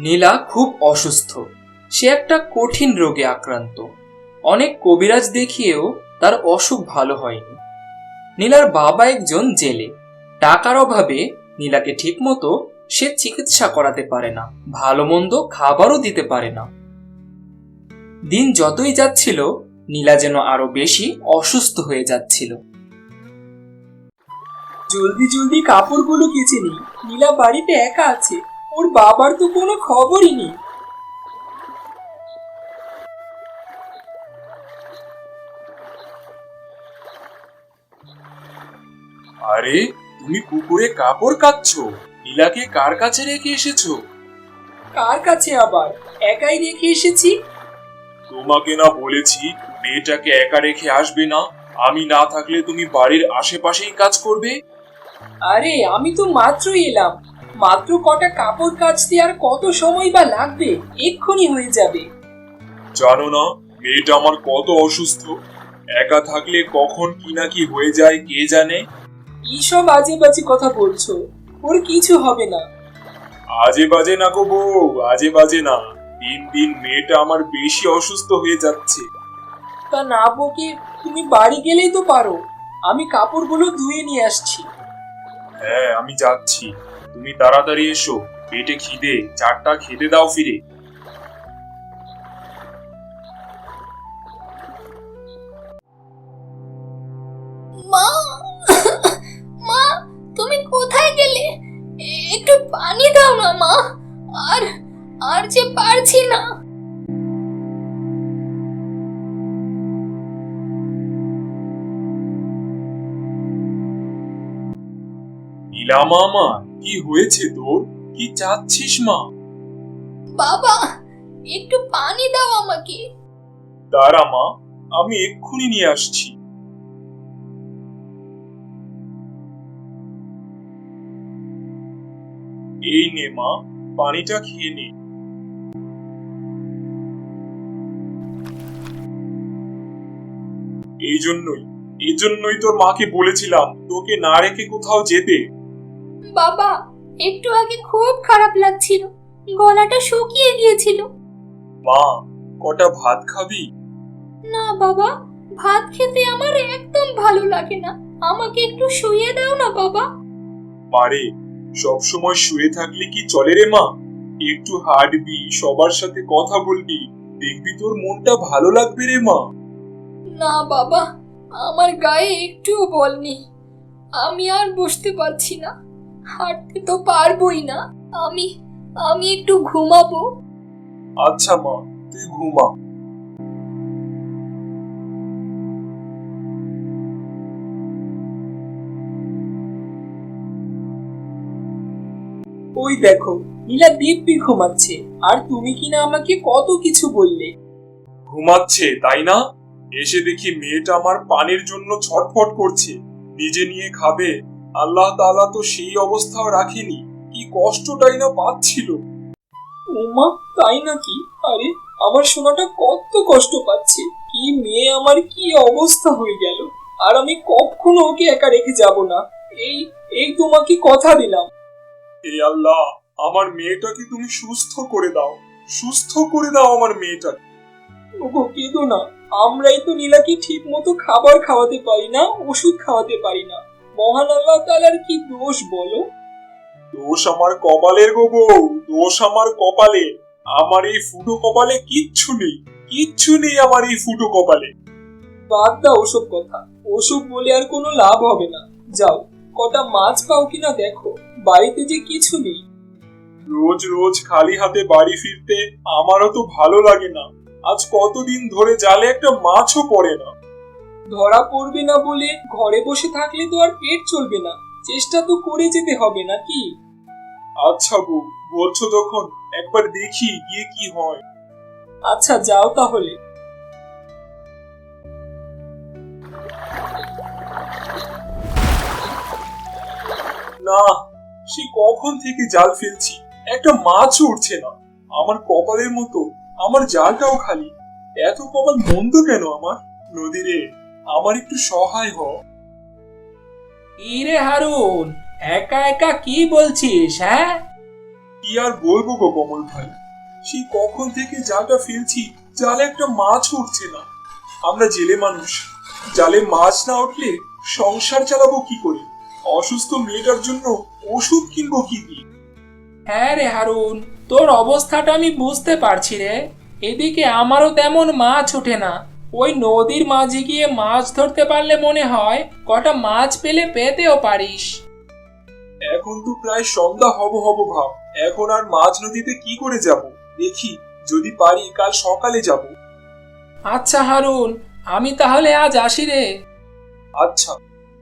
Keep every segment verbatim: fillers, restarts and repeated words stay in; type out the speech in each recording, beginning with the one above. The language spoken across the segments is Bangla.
নীলা খুব অসুস্থ। সে একটা কঠিন রোগে আক্রান্ত। অনেক কবিরাজ দেখিয়েও তার অসুখ ভালো হয়নি। নীলার বাবা একজন জেলে। টাকার অভাবে নীলাকে ঠিকমতো সে চিকিৎসা করাতে পারে না, ভালো মন্দ খাবারও দিতে পারে না। দিন যতই যাচ্ছিল নীলা যেন আরো বেশি অসুস্থ হয়ে যাচ্ছিল। জলদি জলদি কাপড়গুলো কেচে নি। নীলা বাড়িতে একা আছে, ওর বাবার তো কোনো খবরই নেই। আরে, তুমি পুকুরে কাপড় কাচ্ছো? নীলাকে কার কাছে রেখে এসেছো? কার কাছে আবার, একাই রেখে এসেছি। তোমাকে না বলেছি মেয়েটাকে একা রেখে আসবে না? আমি না থাকলে তুমি বাড়ির আশেপাশেই কাজ করবে। আরে আমি তো মাত্রই এলাম, মাত্র কটা কাপড় কাচতে আর কত সময় বা লাগবে, এক্ষুনি হয়ে যাবে। জানো না মেয়েটা আমার কত অসুস্থ? একা থাকলে কখন কি না কি হয়ে যায় কে জানে। এইসব আজে বাজে কথা বলছো, ওর কিছু হবে না। আজে বাজে না গো বউ, আজে বাজে না। দিন দিন মেয়েটা আমার বেশি অসুস্থ হয়ে যাচ্ছে। তা না বকে তুমি বাড়ি গেলেই তো পারো, আমি কাপড়গুলো ধুয়ে নিয়ে আসছি। হ্যাঁ আমি যাচ্ছি, তুমি তাড়াতাড়ি এসো। পেটে খিদে, চারটা খেতে দাও ফিরে। মা, মা, তুমি কোথায় গেলে? একটু পানি দাও না মা, আর আর যে পারছি না। নীলা মামা, কি হয়েছে তোর? কি চাচ্ছিস মা? বাবা, একটু পানি দাও আমাকে। দাঁড়া মা, আমি এক্ষুনি নিয়ে আসছি। এই নে মা, পানিটা খেয়ে নে। এই জন্যই এই জন্যই তোর মাকে বলেছিলাম তোকে না রেখে কোথাও যেতে। বাবা, একটু আগে খুব খারাপ লাগছিল, গলাটা শুকিয়ে গিয়েছিল। মা, কটা ভাত খাবি? না বাবা, ভাত খেতে আমার একদম ভালো লাগে না, আমাকে একটু শুইয়ে দাও না বাবা। মারে, সবসময় শুয়ে থাকলে কি চলে রে মা? একটু হাঁটবি, সবার সাথে কথা বলবি, দেখবি তোর মনটা ভালো লাগবে রে মা। না বাবা, আমার গায়ে একটুও বল নেই, আমি আর বসতে পারছি না, হাঁটতে তো পারবোই না। আমি আমি একটু ঘুমাবো। আচ্ছা মা, তুই ঘুমা। ওই দেখো, নীলা দিব্যি ঘুমাচ্ছে, আর তুমি কিনা আমাকে কত কিছু বললে। ঘুমাচ্ছে তাই না? এসে দেখি মেয়েটা আমার পানির জন্য ছটফট করছে, নিজে নিয়ে খাবে। আল্লাহ তাআলা তো সেই অবস্থাও রাখেনি, কি কষ্টটাই না পাচ্ছিল। ওমা, তাই নাকি? আরে আমার সোনাটা কত কষ্ট পাচ্ছে, কি মেয়ে আমার, কি অবস্থা হয়ে গেল। আর আমি কখনো ওকে একা রেখে যাব না, এই এই তোমাকে কথা দিলাম। হে আল্লাহ, আমার মেয়েটাকে তুমি সুস্থ করে দাও, সুস্থ করে দাও আমার মেয়েটাকে। ওগো কেঁদো না, আমরাই তো নীলাকে ঠিক মতো খাবার খাওয়াতে পারি না, ওষুধ খাওয়াতে পারি না। মহান আল্লাহ তাআলার কি দোষ বলো? দোষ আমার কপালের গো বউ, দোষ আমার কপালে। আমার এই ফুটো কপালে কিচ্ছু নেই, কিচ্ছু নেই আমার এই ফুটো কপালে। বাদ দাও ওসব কথা, ওসব বলে আর কোনো লাভ হবে না। যাও, কটা মাছ পাও কিনা দেখো, বাড়িতে যে কিছু নেই। রোজ রোজ খালি হাতে বাড়ি ফিরতে আমারও তো ভালো লাগে না। আজ কতদিন ধরে জালে একটা মাছও পড়ে না। ধরা পড়বে না বলে ঘরে বসে থাকলে তো আর পেট চলবে না, চেষ্টা তো করে যেতে হবে নাকি? আচ্ছা বউ, বলছো তখন একবার দেখি গিয়ে কি হয়। আচ্ছা যাও তাহলে। না, সে কখন থেকে জাল ফেলছি, একটা মাছও উঠছে না। আমার কপালের মতো আমার জালটাও খালি। এত কপাল মন্দ কেন আমার? নদীরে, আমার একটু সহায় হ। ইরে হারুন, একা একা কি বলছিস? হ্যাঁ, কি আর বলবো গো কমল ভাই, সেই কখন থেকে জালটা ফেলছি, জালে একটা মাছ উঠছে না। আমরা জেলে মানুষ, জালে মাছ না উঠলে সংসার চালাবো কি করে? অসুস্থ মেয়েটার জন্য ওষুধ কিনবো কি দিয়ে? হ্যাঁ রে হারুন, তোর অবস্থাটা আমি বুঝতে পারছি রে। এদিকে আমারও তেমন মাছ ওঠে না। ওই নদীর মাঝে গিয়ে মাছ ধরতে পারলে মনে হয় কটা মাছ পেলে পেতেও পারিস। এখন তো প্রায় সন্ধ্যা হব হব ভাব, এখন আর মাঝ নদীতে কি করে যাব? দেখি যদি পারি কাল সকালে যাব। আচ্ছা হারুন, আমি তাহলে আজ আসি রে। আচ্ছা।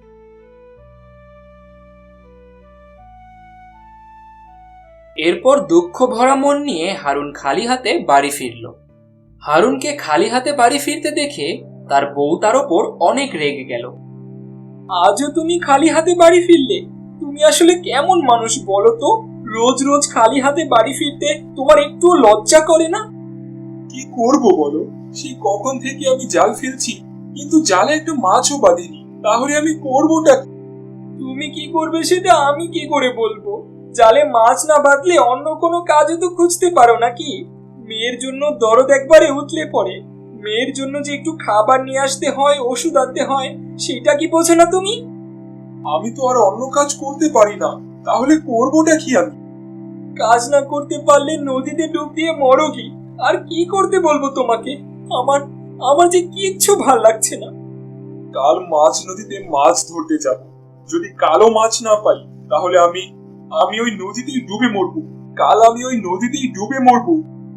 এরপর দুঃখ ভরা মন নিয়ে হারুন খালি হাতে বাড়ি ফিরল। হারুনকে খালি হাতে বাড়ি ফিরতে দেখে তার বউ তার ওপর অনেক রেগে গেল। আজও তুমি খালি হাতে বাড়ি ফিরলে? তুমি আসলে কেমন মানুষ বলো তো? রোজ রোজ খালি হাতে বাড়ি ফিরতে তোমার একটুও লজ্জা করে না? কি করব বলো, সেই কখন থেকে আমি জাল ফেলছি, কিন্তু জালে একটা মাছও বাঁধেনি। তাহলে আমি করবোটা কি? তুমি কি করবে সেটা আমি কি করে বলবো? জালে মাছ না বাঁধলে অন্য কোনো কাজও তো খুঁজতে পারো নাকি? মেয়ের জন্য দরদ একবারে উতলে পড়ে। মেয়ের জন্য যে একটু খাবার নিয়ে আসতে হয়, ওষুধ আনতে হয়, সেটা কি বোঝো না তুমি? আমি তো আর অন্য কাজ করতে পারি না, তাহলে করবোটা কি আমি? কাজ না করতে পারলে নদীতে ডুব দিয়ে মরো কি? আর কি করতে বলবো তোমাকে? আমার আমার যে কিচ্ছু ভাল লাগছে না। কাল মাছ নদীতে মাছ ধরতে যাব। যদি কালো মাছ না পাই, তাহলে আমি আমি ওই নদীতেই ডুবে মরবো। কাল আমি ওই নদীতেই ডুবে মরবো।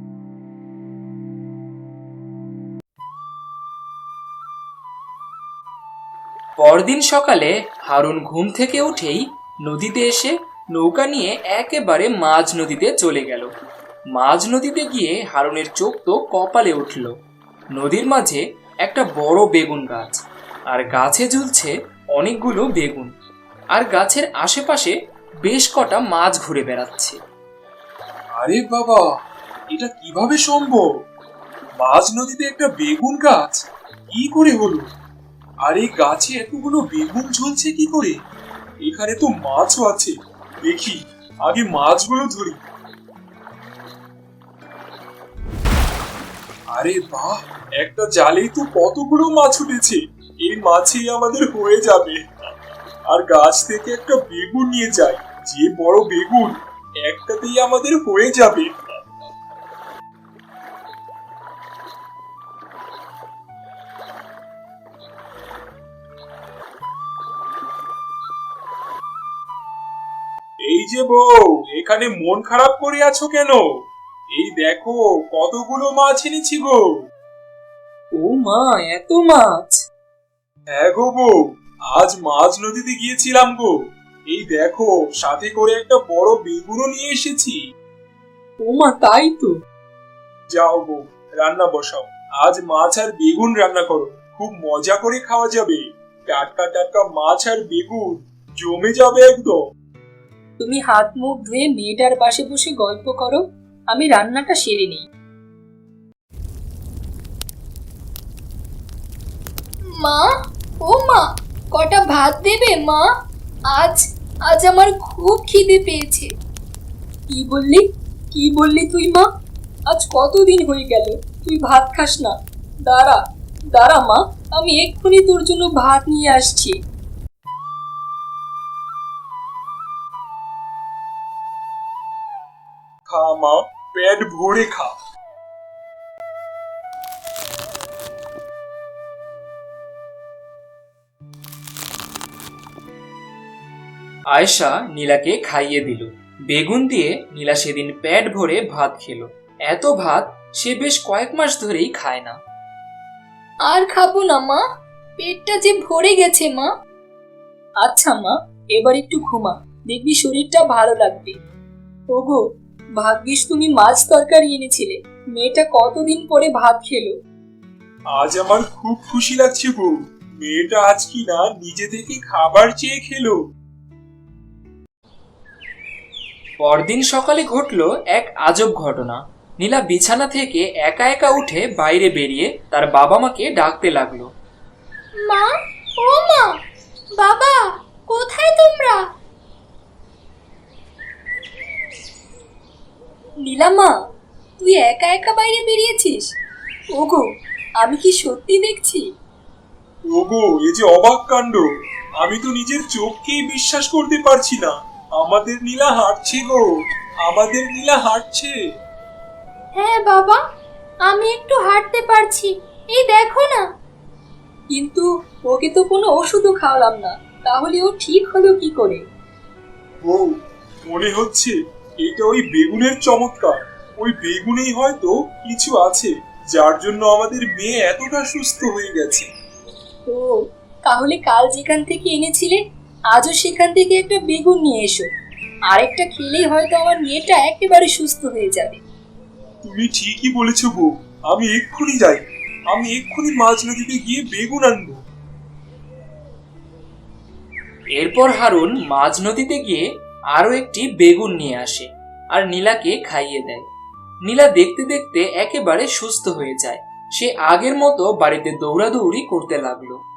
পরদিন সকালে হারুন ঘুম থেকে উঠেই নদীতে এসে নৌকা নিয়ে একেবারে মাঝ নদীতে চলে গেল। মাঝ নদীতে গিয়ে হারুনের চোখ তো কপালে উঠল। নদীর মাঝে একটা বড় বেগুন গাছ, আর গাছে ঝুলছে অনেকগুলো বেগুন, আর গাছের আশেপাশে বেশ কটা মাছ ঘুরে বেড়াচ্ছে। আরে বাবা, এটা কিভাবে সম্ভব? মাঝ নদীতে একটা বেগুন গাছ, কি করে হলো? আর এই গাছে এতগুলো বেগুন ঝুলছে কি করে? এখানে তো মাছও আছে, দেখি আগে মাছগুলো ধরি। আরে বাহ, একটা জালেই তো কতগুলো মাছ উঠেছে। এই মাছই আমাদের হয়ে যাবে। আর গাছ থেকে একটা বেগুন নিয়ে যাই, যে বড় বেগুন, একটাতেই আমাদের হয়ে যাবে। এই যে বউ, এখানে মন খারাপ করে আছো কেন? এই দেখো কতগুলো মাছ এনেছি গো। ও মা, এত মাছ! হ্যাঁ গো বউ, আজ মাছ নদীতে গিয়েছিলাম গো। এই দেখো সাথে করে একটা বড় বেগুনও নিয়ে এসেছি। ও মা, তাই তো। যাও গো, রান্না বসাও। আজ মাছ আর বেগুন রান্না করো, খুব মজা করে খাওয়া যাবে। টাটকা টাটকা মাছ আর বেগুন জমে যাবে একদম। তুমি হাত মুখ ধুয়ে মেয়েটার পাশে বসে গল্প করো, আমি রান্নাটা সেরে নিই। মা, ও মা, কটা ভাত দেবে মা? আজ আজ আমার খুব খিদে পেয়েছে। কি বললি? কি বললি তুই মা? আজ কতদিন হয়ে গেল তুই ভাত খাস না? দাঁড়া দাঁড়া মা, আমি এক্ষুনি তোর জন্য ভাত নিয়ে আসছি। খা মা, পেট ভরে খা। আয়েশা নীলাকে খাইয়ে দিল। বেগুন দিয়ে নীলা সেদিন পেট ভরে ভাত খেলো। এত ভাত সে বেশ কয়েক মাস ধরেই খায় না। আর খাবো না মা, পেটটা যে ভরে গেছে মা। আচ্ছা মা, এবার একটু ঘুমা, দেখবি শরীরটা ভালো লাগবে। ওগো, ভাগ্যিস তুমি মাছ তরকারি এনেছিলে, মেয়েটা কতদিন পরে ভাত খেলো। আজ আমার খুব খুশি লাগছে বউ, মেয়েটা আজ কি না নিজে থেকে খাবার চেয়ে খেলো। পরদিন সকালে ঘটলো এক আজব ঘটনা। নীলা বিছানা থেকে একা একা উঠে বাইরে বেরিয়ে তার বাবা মাকে ডাকতে লাগলো। মা, ও মা, বাবা, কোথায় তোমরা? নীলামা, তুই একা একা বাইরে বেরিয়েছিস? ওগো, আমি কি সত্যি দেখছি? ওগো, এ যে অবাক কাণ্ড! আমি তো নিজের চোখকেই বিশ্বাস করতে পারছি না। আমাদের নীলা হাঁটছে গো, আমাদের নীলা হাঁটছে। হ্যাঁ বাবা, আমি একটু হাঁটতে পারছি, এই দেখো না। কিন্তু ওকে তো কোনো ওষুধও খাওয়ালাম না, তাহলে ও ঠিক হলো কি করে? ও, মনে হচ্ছে এটা ওই বেগুনের চমৎকার। ওই বেগুনেই হয়তো কিছু আছে, যার জন্য আমাদের মেয়ে এতটা সুস্থ হয়ে গেছে। ও, তাহলে কাল যেখান থেকে এনেছিলে আজও সেখান থেকে একটা বেগুন নিয়ে এসো। আরেকটা খেলেই হয়তো আমার মেয়েটা একেবারে সুস্থ হয়ে যাবে। তুমি ঠিকই বলেছো বউ, আমি এক্ষুনি যাই। আমি এক্ষুনি মাছ নদীতে গিয়ে বেগুন আনবো। এরপর হারুন মাঝ নদীতে গিয়ে আরো একটি বেগুন নিয়ে আসে আর নীলাকে খাইয়ে দেয়। নীলা দেখতে দেখতে একেবারে সুস্থ হয়ে যায়। সে আগের মতো বাড়িতে দৌড়াদৌড়ি করতে লাগলো।